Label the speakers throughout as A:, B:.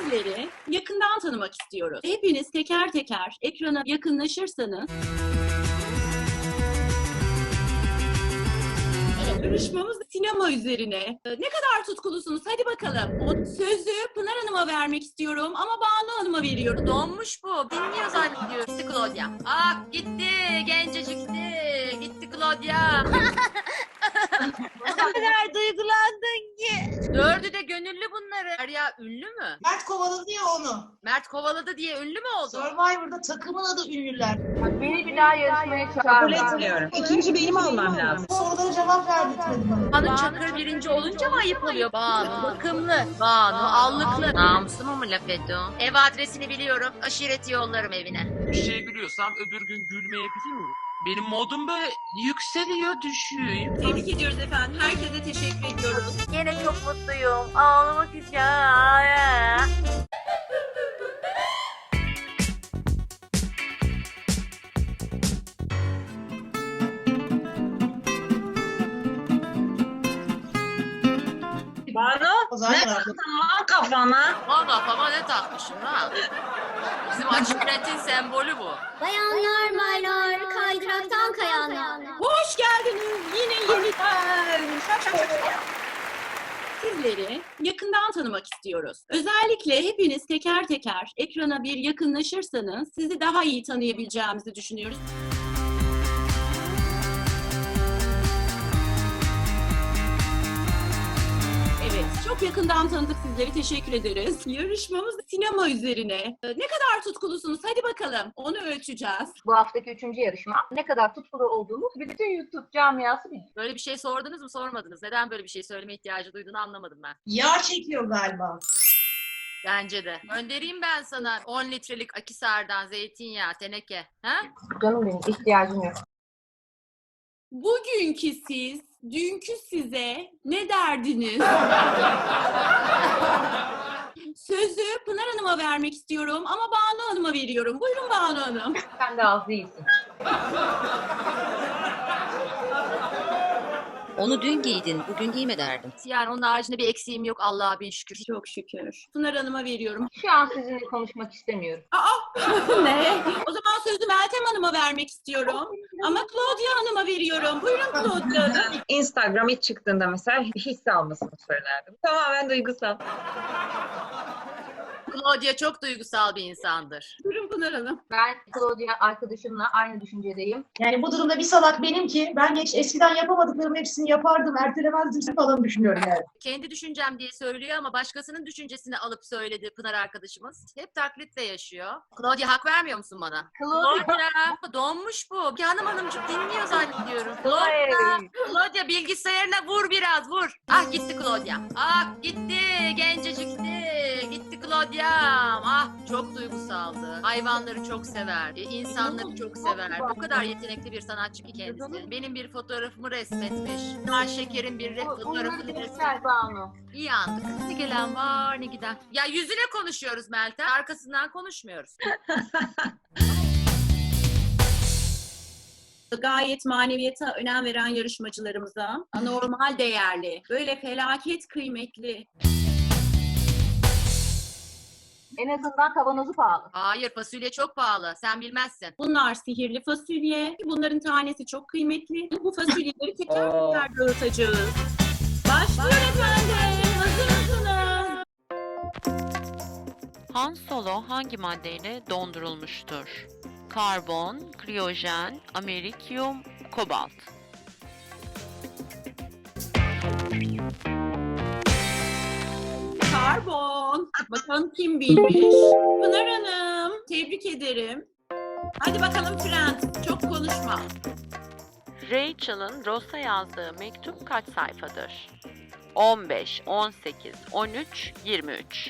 A: Sizleri yakından tanımak istiyoruz. Hepiniz teker teker ekrana yakınlaşırsanız yarışmamız sinema üzerine. Ne kadar tutkulusunuz? Hadi bakalım. O sözü Pınar Hanım'a vermek istiyorum ama Banu Hanım'a veriyorum.
B: Donmuş bu. Dinliyor zannediyor. Gitti Claudia. Ah gitti. Gencecikti. Gitti Claudia.
C: Ne kadar duygulandın ki.
B: Dördü de gönüllü bunları. Derya ünlü mü?
D: Mert kovaladı ya onu.
B: Mert kovaladı diye ünlü mü oldu?
D: Survivor'da takımın adı ünlüler.
C: Beni bir daha yarışmaya
E: Kabul
C: çağırma.
E: etmiyorum. İkinci benim almam lazım.
D: Sorulara cevap verdirtmedi bana.
B: Banu Çakır birinci olunca mı ayıp oluyor? Banu bakımlı. Banu allıklı. Namuslu mu laf etti o? Ev adresini biliyorum. Aşireti yollarım evine.
F: Bir şeye gülüyorsam öbür gün gülmeyebiliyorum. Benim modum böyle yükseliyor, düşüyor.
A: Tebrik ediyoruz efendim. Herkese teşekkür ediyoruz.
C: Yine çok mutluyum. Ağlamak istiyorum.
E: Banu,
D: O zaman
E: ne
D: yardım.
E: taktın lan kafana?
B: Bana kafama ne takmışım ha? Bizim aşiretin sembolü bu.
G: Bayanlar, baylar, kaydıraktan kayanlar.
A: Hoş geldiniz yine yeniden. Sizleri yakından tanımak istiyoruz. Özellikle hepiniz teker teker ekrana bir yakınlaşırsanız sizi daha iyi tanıyabileceğimizi düşünüyoruz. Evet, çok yakından tanıdık sizleri. Teşekkür ederiz. Yarışmamız sinema üzerine. Ne kadar tutkulusunuz? Hadi bakalım. Onu ölçeceğiz.
C: Bu haftaki 3. yarışma. Ne kadar tutkulu olduğumuz bütün YouTube camiası biliyor.
B: Böyle bir şey sordunuz mu sormadınız? Neden böyle bir şey söyleme ihtiyacı duyduğunu anlamadım ben.
D: Yağ çekiyor galiba.
B: Bence de. Göndereyim ben sana 10 litrelik Akisar'dan zeytinyağı, teneke. Ha?
C: Canım benim ihtiyacım yok.
A: Bugünkü siz, dünkü size ne derdiniz? Sözü Pınar Hanım'a vermek istiyorum ama Banu Hanım'a veriyorum. Buyurun Banu Hanım.
C: Sen de az değilsin.
H: Onu dün giydin, bugün giyme derdim.
B: Yani onun haricinde bir eksiğim yok Allah'a bin şükür.
A: Çok şükür. Pınar Hanım'a veriyorum.
C: Şu an sizinle konuşmak istemiyorum.
A: Ne? O zaman sözü Meltem Hanım'a vermek istiyorum. Ama Claudia Hanım'a veriyorum. Buyurun Claudia Hanım.
E: Instagram ilk çıktığında mesela hisse almasını söylerdim. Tamamen duygusal.
B: Claudia çok duygusal bir insandır.
A: Buyurun Pınar Hanım.
C: Ben Claudia arkadaşımla aynı düşüncedeyim.
D: Yani bu durumda bir salak benim ki ben eskiden yapamadıklarım hepsini yapardım, ertelemezdim falan düşünüyorum yani.
B: Kendi düşüncem diye söylüyor ama başkasının düşüncesini alıp söyledi Pınar arkadaşımız. Hep taklitle yaşıyor. Claudia hak vermiyor musun bana? Claudia donmuş bu. Hanımcık dinliyor zannediyorum. Claudia bilgisayarına vur biraz vur. Ah gitti Claudia. Ah gitti gencecikti. Gitti Claudia'm. Ah çok duygusaldı. Hayvanları çok sever. İnsanları çok sever. O kadar yetenekli bir sanatçı ki kendisi. Benim bir fotoğrafımı resmetmiş. Ay Şeker'in bir fotoğrafını resmetmiş.
C: Gel Banu.
B: İyi andık. Ne gelen var ne giden. Ya yüzüne konuşuyoruz Meltem. Arkasından konuşmuyoruz.
A: Gayet maneviyata önem veren yarışmacılarımıza anormal değerli, böyle felaket kıymetli.
C: En azından kavanozu pahalı.
B: Hayır fasulye çok pahalı. Sen bilmezsin.
A: Bunlar sihirli fasulye. Bunların tanesi çok kıymetli. Bu fasulyeleri teker teker dağıtacağız. Başlıyor efendim. Hazır mısınız?
I: Han Solo hangi maddeyle dondurulmuştur? Karbon, kriyojen, amerikyum, kobalt.
A: Karbon. Bakalım kim bilmiş? Pınar Hanım. Tebrik ederim. Hadi bakalım Frans. Çok konuşma.
I: Rachel'ın Ross'a yazdığı mektup kaç sayfadır? 15, 18, 13, 23.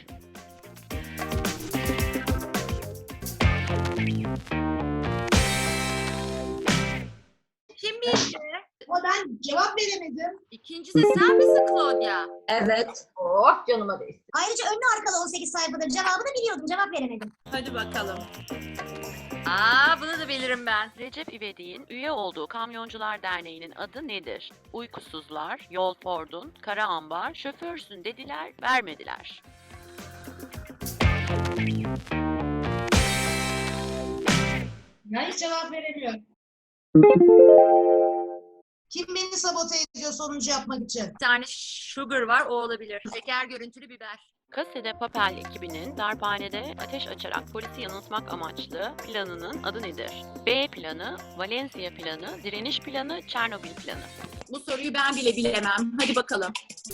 B: Kim bildi?
D: Ama ben cevap veremedim.
B: İkincisi sen misin Claudia?
E: Evet.
C: Oh canıma değsin.
G: Ayrıca önlü arkalı 18 sayfadır. Cevabını biliyordum. Cevap veremedim.
A: Hadi bakalım.
B: Aa bunu da bilirim ben.
I: Recep İvedik'in üye olduğu Kamyoncular Derneği'nin adı nedir? Uykusuzlar, Yol Ford'un, Kara Ambar, Şoförsün dediler, vermediler.
D: Ya hiç cevap veremiyor. Kim beni sabote ediyor sonuncu yapmak için?
B: Bir tane sugar var, o olabilir. Şeker görüntülü biber.
I: Casa de Papel ekibinin darphanede ateş açarak polisi yanıltmak amaçlı planının adı nedir? B planı, Valencia planı, direniş planı, Çernobil planı.
A: Bu soruyu ben bile bilemem. Hadi bakalım.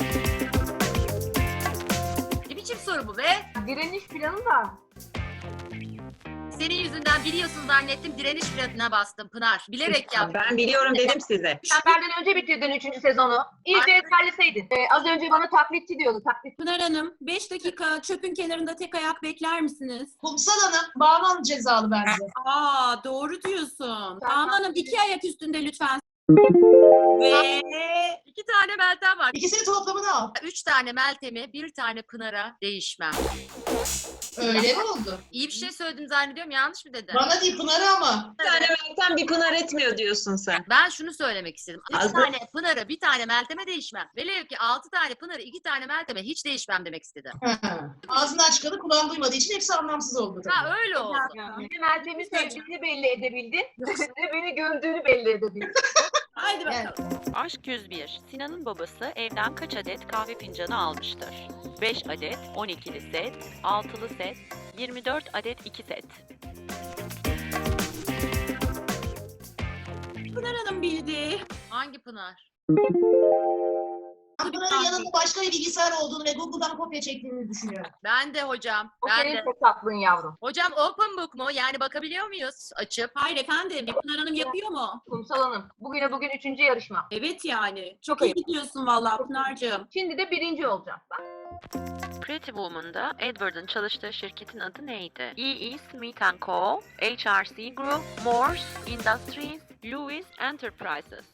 B: Ne biçim soru bu be?
C: Direniş planı da.
B: Senin yüzünden biliyorsun zannettim, direniş planına bastım Pınar. Bilerek yaptım.
E: Ben biliyorum dedim size.
C: Sen benden önce bitirdin 3. sezonu. İyice ezberleseydin. Az önce bana taklitçi diyordu. Taklit.
A: Pınar Hanım 5 dakika çöpün kenarında tek ayak bekler misiniz?
D: Kumsal Hanım, Banu Hanım cezalı bence.
A: Aa doğru diyorsun. Banu Hanım 2 ayak üstünde lütfen. Ve
B: 2 tane Meltem var.
D: İkisini toplamını al.
B: 3 tane Meltem'e, 1 tane Pınar'a değişmem.
D: Öyle mi oldu?
B: İyi bir şey söyledim zannediyorum, yanlış mı dedim?
D: Bana değil Pınar'a ama.
E: Bir tane Meltem bir Pınar etmiyor diyorsun sen.
B: Ben şunu söylemek istedim. 3
E: Az
B: tane Pınar'a, 1 tane Meltem'e değişmem. Velev ki 6 tane Pınar'a, 2 tane Meltem'e hiç değişmem demek istedim.
D: Ağzından çıkanı kulağın duymadığı için hepsi anlamsız oldu. tabii.
B: Ha öyle oldu.
C: Bir Meltem'i sevdiğini belli edebildin. Bir de beni gömdüğünü belli edebildin.
A: haydi
D: Evet.
A: bakalım.
I: Aşk 101. Sinan'ın babası evden kaç adet kahve fincanı almıştır? 5 adet, 12'li set, 6'lı set, 24 adet 2 set.
A: Pınar Hanım bildi.
B: Hangi Pınar?
D: Pınar'ın yanında başka bir bilgisayar olduğunu ve Google'dan kopya çektiğini düşünüyorum.
B: Ben de hocam.
C: O
B: Ben
C: senin
B: de.
C: fesatlığın yavrum.
B: Hocam open book mu? Yani bakabiliyor muyuz açıp?
A: Hayır efendim. Pınar Hanım yapıyor mu?
C: Kumsal Hanım. Bugüne bugün 3. yarışma.
A: Evet yani. Çok
C: Çok
A: iyi gidiyorsun vallahi Pınar'cığım.
C: Şimdi de 1. olacağım. Bak.
I: Pretty Woman'da Edward'ın çalıştığı şirketin adı neydi? E.E. Smith & Co., HRC Group, Morse Industries, Lewis Enterprises.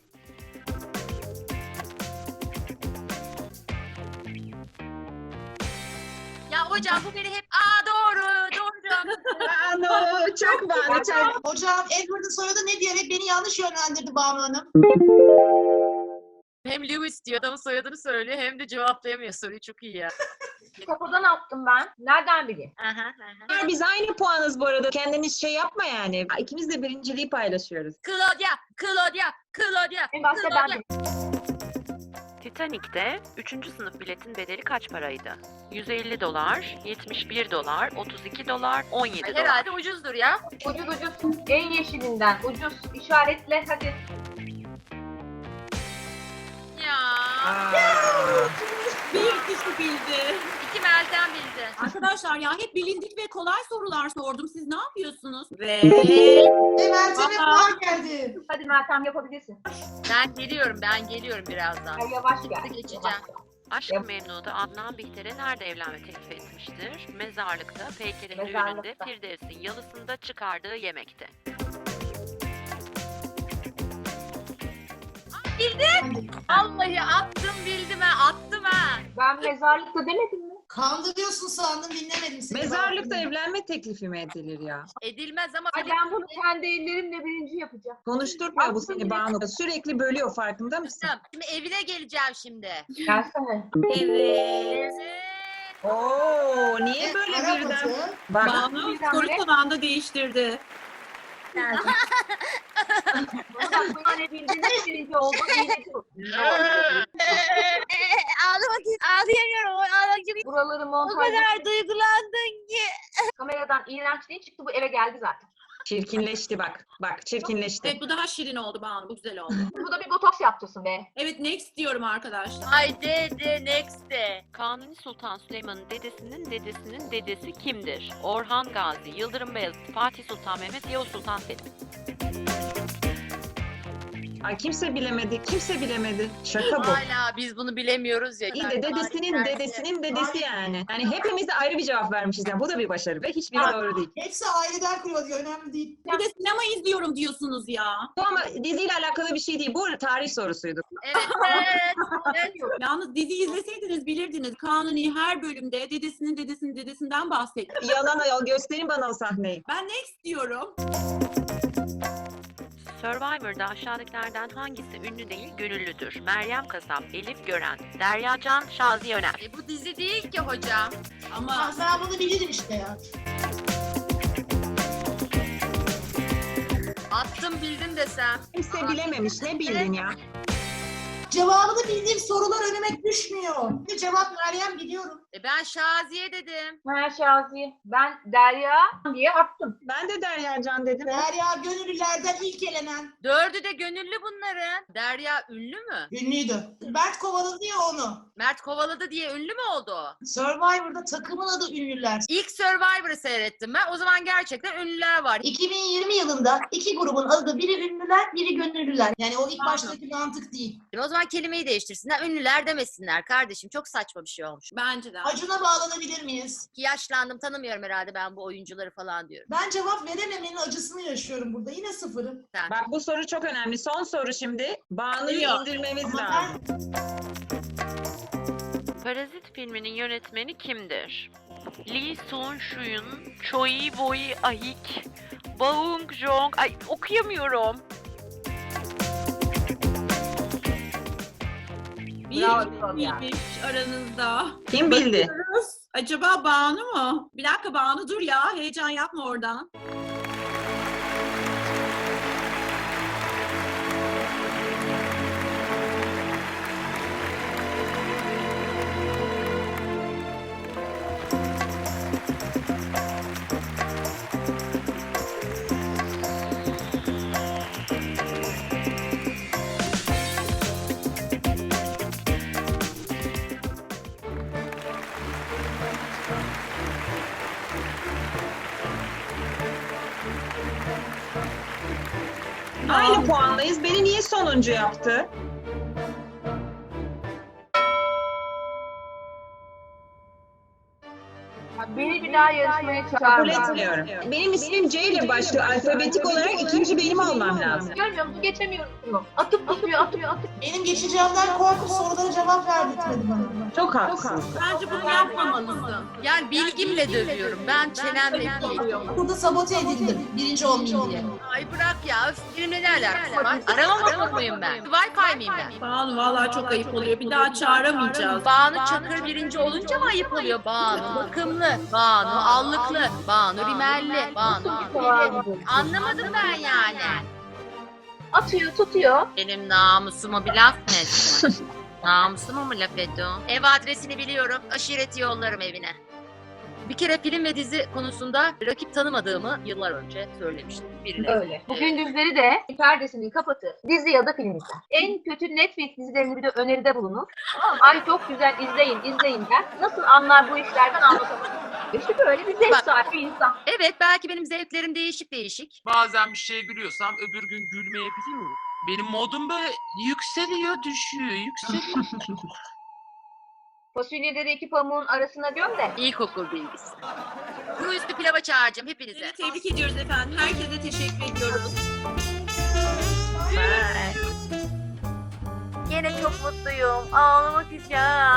B: Ya hocam bu beni hep doğru
E: Banu çok Banu çok.
D: Hocam Edward'ın soyadı ne diyerek beni yanlış yönlendirdi Banu Hanım.
B: Hem Lewis diyor, adamın soyadını söylüyor, hem de cevaplayamıyor soruyu. Çok iyi ya.
C: Kafadan attım ben. Nereden bileyim?
E: Biz aynı puanız bu arada. Kendiniz şey yapma yani. İkimiz de birinciliği paylaşıyoruz.
B: Claudia.
C: En başta ben
I: Titanic'te 3. sınıf biletin bedeli kaç paraydı? 150 dolar, 71 dolar, 32 dolar, 17 dolar.
B: Herhalde ucuzdur ya.
C: ucuz. En yeşilinden ucuz. İşaretle hadi.
B: Ya.
A: Bir kişi bildi.
B: 2 Meltem bildi.
A: Arkadaşlar ya hep bilindik ve kolay sorular sordum. Siz ne yapıyorsunuz? Ve
D: Meltem'e puan geldi.
C: Hadi Meltem yapabilirsin.
B: Ben geliyorum birazdan.
C: Ay, yavaş gel.
B: Geçeceğim.
C: Yavaş gel.
I: Aşk-ı Memnu'da Adnan Bihter'e nerede evlenme teklif etmiştir? Mezarlıkta, Peyker'in düğününde,
C: Mezarlıkta.
I: Firdevs'in yalısında çıkardığı yemekte.
B: Vallahi attım bildim ha.
C: Ben mezarlıkta demedim mi?
D: Kandırıyorsun sandım dinlemedim seni.
E: Mezarlıkta evlenme teklifi mi edilir ya?
B: Edilmez ama
C: Ay, ben bunu kendi ellerimle 1. yapacağım.
E: Konuşturma bu seni Banu. Sürekli bölüyor farkında mısın?
B: Şimdi evine geleceğim şimdi.
C: Gelsene.
A: evet.
E: Oo, niye böyle
D: Arap
E: birden?
D: atı.
E: Bak,
A: Banu soru tabağında değiştirdi.
C: Bana bak buna ne bildin de 1. oldu. İyileci bu.
B: Ağlayamıyorum.
C: Buraları montaj.
B: duygulandın ki.
C: Kameradan iğrenç değil çıktı, bu eve geldi zaten.
E: çirkinleşti bak. Bak çirkinleşti.
A: Evet bu daha şirin oldu Banu. Bu güzel oldu.
C: Bu da bir botoks yaptırsın be.
A: Evet next diyorum arkadaşlar.
B: Ay de next de.
I: Kanuni Sultan Süleyman'ın dedesinin dedesi kimdir? Orhan Gazi, Yıldırım Beyazıt, Fatih Sultan Mehmet, Yavuz Sultan Selim.
E: Ay kimse bilemedi. Şaka bu.
B: Hala biz bunu bilemiyoruz ya.
E: İyi de dedesinin dedesi yani. Yani hepimiz de ayrı bir cevap vermişiz. Yani bu da bir başarı ve hiçbiri doğru değil.
D: Hepsi aileden kuruyor diyor. Önemli değil.
A: Bir de sinema izliyorum diyorsunuz ya.
E: Bu ama diziyle alakalı bir şey değil. Bu tarih sorusuydu.
B: Evet.
A: Yalnız dizi izleseydiniz bilirdiniz. Kanuni her bölümde dedesinden bahsediyor.
E: Yalan ayol gösterin bana o sahneyi.
A: Ben next diyorum.
I: Survivor'da aşağıdakilerden hangisi ünlü değil, gönüllüdür? Meryem Kasap, Elif Gören, Derya Can, Şaziye Öner.
B: Bu dizi değil ki hocam.
A: Ama
D: Ben bunu bilirim işte ya.
B: Attım bildim desem.
E: Kimse bilememiş. Ne bildin ya?
D: Cevabını bildiğim sorular önüme düşmüyor. Cevap Meryem biliyorum.
B: Ben Şaziye dedim.
C: Ha Şaziye. Ben Derya diye attım.
E: Ben de Derya Can dedim.
D: Derya gönüllülerden ilk elenen.
B: 4'ü de gönüllü bunların. Derya ünlü mü?
D: Ünlüydü. Mert kovaladı ya onu.
B: Mert kovaladı diye ünlü mü oldu o?
D: Survivor'da takımın adı Ünlüler.
B: İlk Survivor'ı seyrettim ben. O zaman gerçekten ünlüler var.
D: 2020 yılında iki grubun adı biri Ünlüler, biri Gönüllüler. Yani o ilk baştaki mantık değil.
B: O zaman kelimeyi değiştirsinler. Ünlüler demesinler kardeşim. Çok saçma bir şey olmuş.
A: bence de.
D: Acun'a bağlanabilir miyiz?
B: Ki yaşlandım, tanımıyorum herhalde ben bu oyuncuları falan diyorum.
D: Ben cevap verememenin acısını yaşıyorum burada. Yine sıfırım.
E: Bak bu soru çok önemli. Son soru şimdi. Banu'yu
A: Yok.
E: indirmemiz
D: Ama
E: lazım.
I: Parazit filminin yönetmeni kimdir? Lee Sun-shyun, Choi Woo-ahik, Bong Joon... Ay okuyamıyorum.
A: Bir
C: Bravo, ya.
A: bilmiş aranızda.
E: Kim bildi?
A: Acaba Banu mu? Bir dakika Banu dur ya. Heyecan yapma oradan.
E: Aynı puandayız. Beni niye sonuncu yaptı?
C: Beni bir daha yarışmaya
E: Kabul
C: çağırma.
E: etmiyorum. Benim ismim C ile başlıyor. Alfabetik olarak ikinci benim olmam lazım.
C: Görmüyor musun? Geçemiyorum. Atıp tutuyor, atıp.
D: Benim geçeceğimden korkup sorulara cevap verdirtmedi bana.
E: Çok haksız.
A: Bence bunu yapmamalısın.
B: Yani bilgimle dövüyorum. Ben çenemle değil.
D: Burada sabote edildim. Birinci olmayayım diye.
B: Ay bırak ya. Öf, benimle ne alakası var? Aramamak mıyım ben? Wi-Fi miyim ben?
A: Banu vallahi çok ayıp oluyor. Bir daha çağıramayacağız.
B: Banu Çakır birinci olunca mı ayıp oluyor? Banu bakımlı, Banu allıklı, Banu rimelli, Banu gülmeli. Anlamadım ben yani.
C: Atıyor, tutuyor.
B: Benim namusuma bir laf mı ettin? Namusuma mı laf ediyor? Ev adresini biliyorum. Aşireti yollarım evine. Bir kere film ve dizi konusunda rakip tanımadığımı yıllar önce söylemiştim birine.
C: Öyle. Bu gündüzleri de perdesini kapatır. Dizi ya da film izler. En kötü Netflix dizilerini bir de öneride bulunur. Tamam mı? Ay çok güzel izleyin der. Nasıl anlar bu işlerden anlatamam. İşte böyle bir zevk sahibi bir insan.
B: Evet belki benim zevklerim değişik.
F: Bazen bir şeye gülüyorsam öbür gün gülmeyebiliyorum. Benim modum böyle yükseliyor, düşüyor, yükseliyor.
C: Fasulyeleri iki pamuğun arasına göm de.
B: İlkokul bilgisi. Bu üstü pilava çağıracağım hepinize.
A: Sizi tebrik ediyoruz efendim. Herkese teşekkür ediyoruz.
B: Yine çok mutluyum. Ağlamak istiyorum.